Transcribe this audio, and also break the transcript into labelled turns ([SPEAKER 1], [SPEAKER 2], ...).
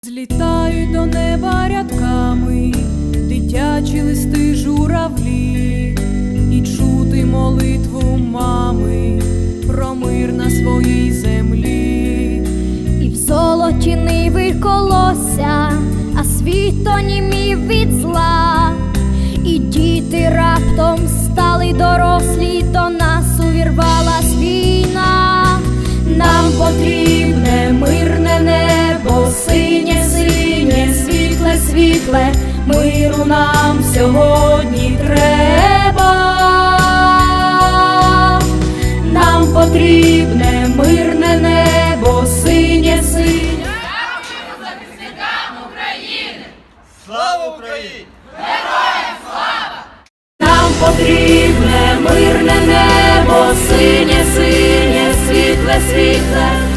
[SPEAKER 1] Злітають до неба рядками дитячі листи журавлі, і чути молитву мами про мир на своїй землі.
[SPEAKER 2] І в золоті ниви колося, а світ онімів від зла, і діти раптом стали дорослі, до нас увірвалась війна. Нам потрібне мирне небо, синє, синє, світле, світле, миру нам сьогодні треба. Нам потрібне мирне небо, синє, синє.
[SPEAKER 3] Дякуємо захисникам України!
[SPEAKER 4] Слава Україні!
[SPEAKER 3] Героям слава!
[SPEAKER 2] Нам потрібне мирне небо, синє, синє, світле, світле,